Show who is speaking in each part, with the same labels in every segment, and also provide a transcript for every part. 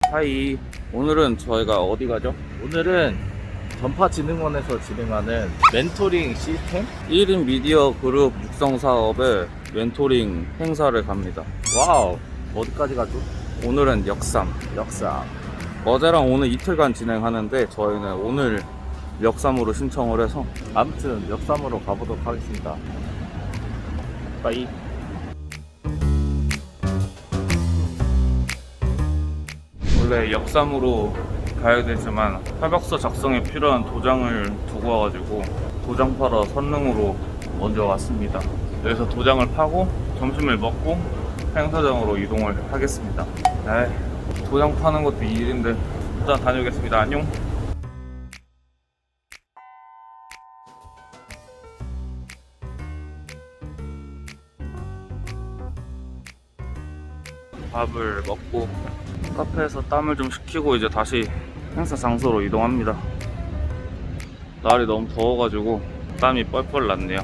Speaker 1: 하이. 오늘은 저희가 어디 가죠?
Speaker 2: 오늘은 전파진흥원에서 진행하는 멘토링 시스템?
Speaker 1: 1인 미디어 그룹 육성 사업의 멘토링 행사를 갑니다.
Speaker 2: 와우, 어디까지 가죠?
Speaker 1: 오늘은 역삼.
Speaker 2: 역삼.
Speaker 1: 어제랑 오늘 이틀간 진행하는데 저희는 오늘 역삼으로 신청을 해서
Speaker 2: 아무튼 역삼으로 가보도록 하겠습니다. 빠이.
Speaker 1: 원래 역삼으로 가야 되지만 협약서 작성에 필요한 도장을 두고 와가지고 도장 파러 선릉으로 먼저 왔습니다. 여기서 도장을 파고 점심을 먹고 행사장으로 이동을 하겠습니다. 도장 파는 것도 일인데 일단 다녀오겠습니다. 안녕. 밥을 먹고 카페에서 땀을 좀 식히고 이제 다시 행사 장소로 이동합니다. 날이 너무 더워가지고 땀이 뻘뻘 났네요.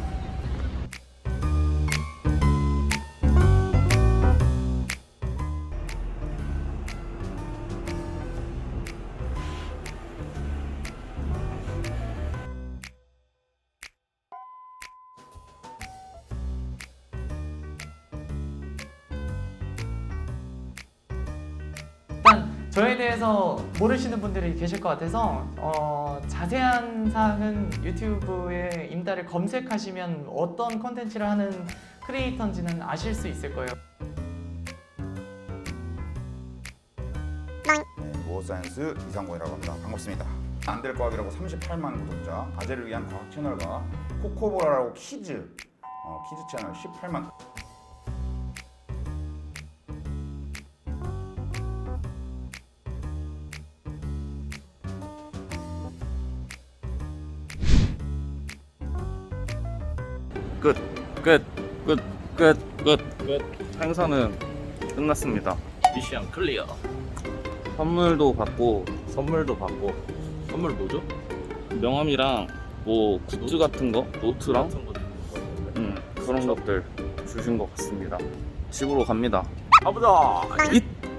Speaker 3: 일단 저에 대해서 모르시는 분들이 계실 것 같아서 자세한 사항은 유튜브에 임다를 검색하시면 어떤 컨텐츠를 하는 크리에이터인지는 아실 수 있을 거예요.
Speaker 4: 모어사이언스 이상곤이라고 합니다. 반갑습니다. 안될 과학이라고 38만 구독자, 아재를 위한 과학 채널과 코코보라라고 키즈 채널 18만.
Speaker 1: 끝. 행사는 끝났습니다.
Speaker 2: 미션 클리어.
Speaker 1: 선물도 받고
Speaker 2: 선물도 받고. 선물 뭐죠?
Speaker 1: 명함이랑 뭐 굿즈 같은 거, 노트랑
Speaker 2: 같은 거 주는 거.
Speaker 1: 그런 것들 주신 것 같습니다. 집으로 갑니다.
Speaker 2: 가보자.
Speaker 1: 잇!